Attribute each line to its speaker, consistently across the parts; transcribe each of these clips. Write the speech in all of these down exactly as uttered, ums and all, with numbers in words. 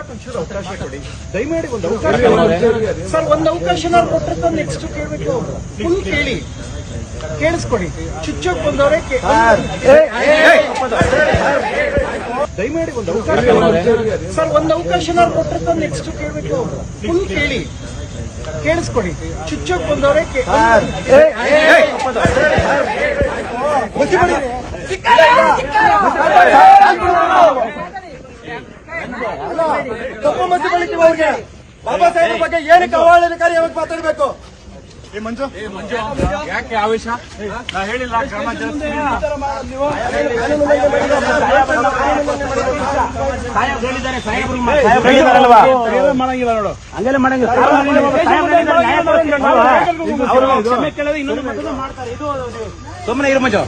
Speaker 1: ಒಂಚೂರು ಅವಕಾಶ ಕೊಡಿ ದಯಮಾಡಿ. ಒಂದು ಅವಕಾಶ ಸರ್, ಒಂದು ಅವಕಾಶ ನಾವು ಕೊಟ್ಟಿರ್ತ ನೆಕ್ಸ್ಟ್ ಕೇಳಬೇಕು. ಫುಲ್ ಕೇಳಿ, ಕೇಳಿಸ್ಕೊಡಿ. ಚುಚ್ಚೋಕ್ ಬಂದವರೇ ದಯಮಾಡಿ ಒಂದು ಅವಕಾಶ ಸರ್, ಒಂದು ಅವಕಾಶ ನಾವು ಕೊಟ್ಟಿರ್ತ ನೆಕ್ಸ್ಟ್ ಕೇಳಬೇಕು. ಫುಲ್ ಕೇಳಿ, ಕೇಳಿಸ್ಕೊಡಿ. ಚುಚ್ಚೋಕ್ ಬಂದವರೇ
Speaker 2: ತಪ್ಪು ಮತಿ ಬಳಿಕೆ ಅವ್ರಿಗೆ ಬಾಬಾ ಸಾಹೇಬ್ ಬಗ್ಗೆ ಏನಕ್ಕೆ ಅವಹೇಳನಕಾರಿಯಾಗಿ ಮಾತಾಡಬೇಕು?
Speaker 3: ಏ ಮಂಜು ಯಾಕೆ ಆವೇಶ? ನಾ ಹೇಳಿಲ್ಲ ಕ್ರಮ ಮಾಡಂಗಿಲ್ಲ ನೋಡು, ಹಂಗೆಲ್ಲ ಮಾಡಂಗಿಲ್ಲ. ಸುಮ್ಮನೆ ಇರು ಮಂಜು.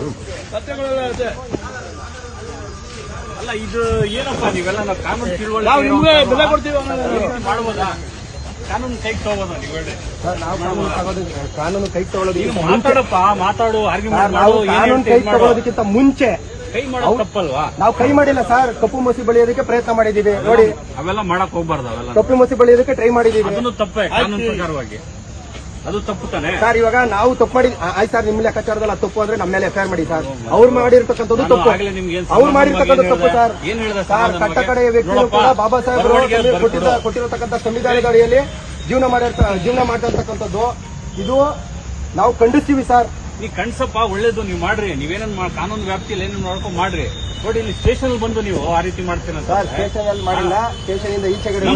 Speaker 3: ಅಲ್ಲ ಇದು ಏನಪ್ಪಾ ನೀವೆಲ್ಲ ನಾವು ಕಾನೂನು ತಿಳುವಳಿಕೆ ಬೆಲೆ ಕೊಡ್ತೀವಿ ಮಾಡ್ಬೋದಾ? ಕಾನೂನು ಕೈಗೆ ತಗೋಬೋದಾ? ನೀವು ಹೇಳಿ.
Speaker 2: ಕಾನೂನು ಕೈ ತಗೊಳ್ಳೋದು
Speaker 3: ಮಾತಾಡಪ್ಪ, ಮಾತಾಡು, ಆರ್ಗ್ಯುಮೆಂಟ್
Speaker 2: ನಾವು ಕಾನೂನು ಕೈ ತಗೊಳ್ಳೋದಕ್ಕಿಂತ ಮುಂಚೆ
Speaker 3: ಕೈ ಮಾಡೋದು ತಪ್ಪಲ್ವಾ?
Speaker 2: ನಾವು ಕೈ ಮಾಡಿಲ್ಲ ಸರ್, ಕಪ್ಪು ಮಸಿ ಬಳಿಯೋದಕ್ಕೆ ಪ್ರಯತ್ನ ಮಾಡಿದೀವಿ ನೋಡಿ.
Speaker 3: ಅವೆಲ್ಲ ಮಾಡಕ್ ಹೋಗ್ಬಾರ್ದು. ಅವೆಲ್ಲ
Speaker 2: ಕಪ್ಪು ಮಸಿ ಬಳಿಯೋದಕ್ಕೆ ಟ್ರೈ ಮಾಡಿದೀವಿ.
Speaker 3: ಅದನ್ನು ತಪ್ಪೇ ಕಾನೂನು ಪ್ರಕಾರವಾಗಿ, ಅದು ತಪ್ಪು ತಾನೆ
Speaker 2: ಸರ್. ಇವಾಗ ನಾವು ತಪ್ಪು ಮಾಡಿ ಆಯ್ತು ಸರ್, ನಿಮ್ಮ ಲೆಕ್ಕಾಚಾರದಲ್ಲಿ ತಪ್ಪು ಅಂದ್ರೆ ನಮ್ಮ ಮೇಲೆ ಎಫ್ಐಆರ್ ಮಾಡಿ ಸರ್. ಅವ್ರು ಮಾಡಿರ್ತಕ್ಕಂಥದ್ದು ತಪ್ಪು, ಅವ್ರು ಮಾಡಿರ್ತಕ್ಕಂಥ ತಪ್ಪು ಸರ್. ಸರ್, ಕಟ್ಟ ಕಡೆಯ ವ್ಯಕ್ತಿಗಳು ಕೂಡ ಬಾಬಾ ಸಾಹೇಬ್ ಕೊಟ್ಟಿರತಕ್ಕಂಥ ಸಂವಿಧಾನದ ಅಡಿಯಲ್ಲಿ ಜೀವನ ಮಾಡಿರ್ತ ಜೀವನ ಮಾಡಿರ್ತಕ್ಕಂಥದ್ದು ಇದು ನಾವು ಖಂಡಿಸ್ತೀವಿ ಸರ್.
Speaker 3: ನೀ ಕಣ್ಸಪ್ಪ, ಒಳ್ಳೇದು, ನೀವು ಮಾಡ್ರಿ. ನೀವೇನೇನ್ ಕಾನೂನು ವ್ಯಾಪ್ತಿಯಲ್ಲಿ ಏನೇನು ನೋಡ್ಕೊಂಡು ಮಾಡ್ರಿ. ನೋಡಿ, ಇಲ್ಲಿ ಸ್ಟೇಷನ್ ಬಂದು ನೀವು ಆ ರೀತಿ ಮಾಡ್ತೀರ
Speaker 2: ಸರ್. ಸ್ಟೇಷನ್ ಅಲ್ಲಿ ಮಾಡಿಲ್ಲ, ಸ್ಟೇಷನ್ ಇಂದ ಈಚೆ ಕಡೆ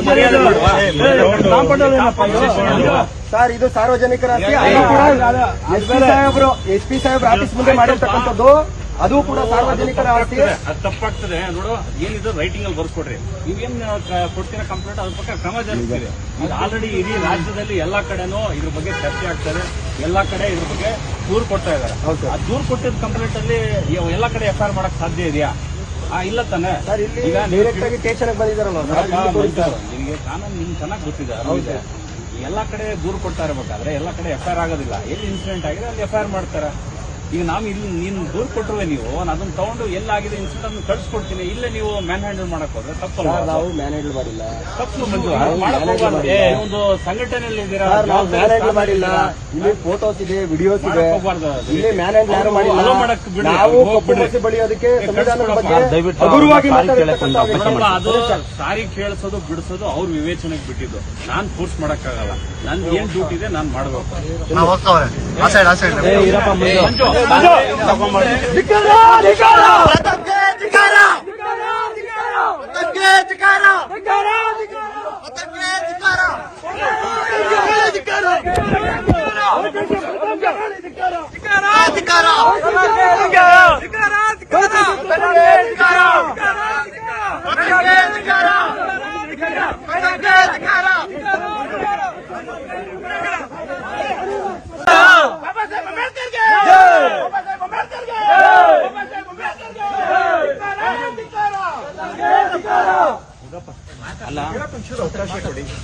Speaker 2: ಸರ್. ಇದು ಸಾರ್ವಜನಿಕರ ಎಸ್ ಪಿ ಸಾಹೇಬ್ರು ಎಸ್ ಪಿ ಸಾಹೇಬ್ರ ಆಫೀಸ್ ಮುಂದೆ ಮಾಡಿರ್ತಕ್ಕಂಥದ್ದು, ಅದು ಕೂಡ ಸಾರ್ವಜನಿಕರ ಆಸ್ತಿ.
Speaker 3: ಅದು ತಪ್ಪಾಗ್ತದೆ ನೋಡು. ಏನಿದ್ರು ರೈಟಿಂಗ್ ಅಲ್ಲಿ ಬರ್ಸ್ಕೊಡ್ರಿ. ನೀವೇನ್ ಕೊಡ್ತೀರಾ ಕಂಪ್ಲೇಂಟ್, ಅದ್ರ ಬಗ್ಗೆ ಕ್ರಮ ಜರುಗಿಸ್ತೀರಿ. ಇದು ಆಲ್ರೆಡಿ ಇಡೀ ರಾಜ್ಯದಲ್ಲಿ ಎಲ್ಲಾ ಕಡೆನೂ ಇದ್ರ ಬಗ್ಗೆ ಚರ್ಚೆ ಆಗ್ತದೆ. ಎಲ್ಲಾ ಕಡೆ ಇದ್ರ ಬಗ್ಗೆ ದೂರು ಕೊಡ್ತಾ ಇದಾರೆ. ಆ ದೂರು ಕೊಟ್ಟಿದ್ದ ಕಂಪ್ಲೇಂಟ್ ಅಲ್ಲಿ ಎಲ್ಲಾ ಕಡೆ ಎಫ್ ಐ ಆರ್ ಮಾಡಕ್ ಸಾಧ್ಯ ಇದೆಯಾ? ಇಲ್ಲ ತಾನೆ.
Speaker 2: ಈಗ ಡೈರೆಕ್ಟ್ ಆಗಿ ಸ್ಟೇಷನ್ ಬಂದಿದ್ದಾರಲ್ಲ
Speaker 3: ನಿಮಗೆ ಕಾನೂನು ನಿಮ್ಗೆ ಚೆನ್ನಾಗಿ ಗೊತ್ತಿದೆ. ಎಲ್ಲಾ ಕಡೆ ದೂರು ಕೊಡ್ತಾ ಇರಬೇಕಾದ್ರೆ ಎಲ್ಲಾ ಕಡೆ ಎಫ್ ಐ ಆರ್ ಆಗೋದಿಲ್ಲ. ಎಲ್ಲಿ ಇನ್ಸಿಡೆಂಟ್ ಆಗಿದೆ ಅಲ್ಲಿ ಎಫ್ ಐ ಆರ್ ಮಾಡ್ತಾರೆ. ಈಗ ನಾವು ಇಲ್ಲಿ ನೀನು ದೂರು ಕೊಟ್ಟರುವೆ ನೀವು ಅದನ್ನ ತಗೊಂಡು ಎಲ್ಲಾಗಿದೆ ಇನ್ಸಿಡೆಂಟ್ ಅನ್ನು ಕಳ್ಸಿಕೊಡ್ತೀನಿ. ಇಲ್ಲೇ ನೀವು ಮ್ಯಾನ್ ಹ್ಯಾಂಡಲ್ ಮಾಡಕ್ ಹೋದ್ರೆ ತಪ್ಪಲ್ಲ.
Speaker 2: ನಾವು ಮ್ಯಾನ್ ಹ್ಯಾಂಡಲ್ ಮಾಡಿಲ್ಲ.
Speaker 3: ತಪ್ಪು ಒಂದು ಸಂಘಟನೆಯಲ್ಲಿ ಇದ್ದೀರಾ,
Speaker 2: ನಾವು ಮ್ಯಾನ್ ಹ್ಯಾಂಡಲ್ ಮಾಡಿಲ್ಲ. ಇಲ್ಲಿ ಫೋಟೋಸ್ ಇದೆ, ವಿಡಿಯೋಸ್ ಇದೆ. ಇಲ್ಲಿ ಮ್ಯಾನ್ ಹ್ಯಾಂಡಲ್ ಯಾರು ಮಾಡಿಲ್ಲ. ನಾವು ಕಪ್ಪು ಮಸಿ ಬಳಿಯೋದಕ್ಕೆ ಸಂವಿಧಾನದ ಬಗ್ಗೆ ಹಗುರವಾಗಿ
Speaker 3: ಅದು ಸಾರಿ ಕೇಳಿಸೋದು ಬಿಡಿಸೋದು ಅವ್ರ ವಿವೇಚನೆಗೆ ಬಿಟ್ಟಿದ್ದು. ನಾನ್ ಫೋರ್ಸ್ ಮಾಡಕ್ಕಾಗಲ್ಲ. ನನ್ ಏನ್ ಡ್ಯೂಟಿ ಇದೆ ನಾನ್ ಮಾಡ್ಬೇಕು.
Speaker 4: ಅಧಿಕಾರ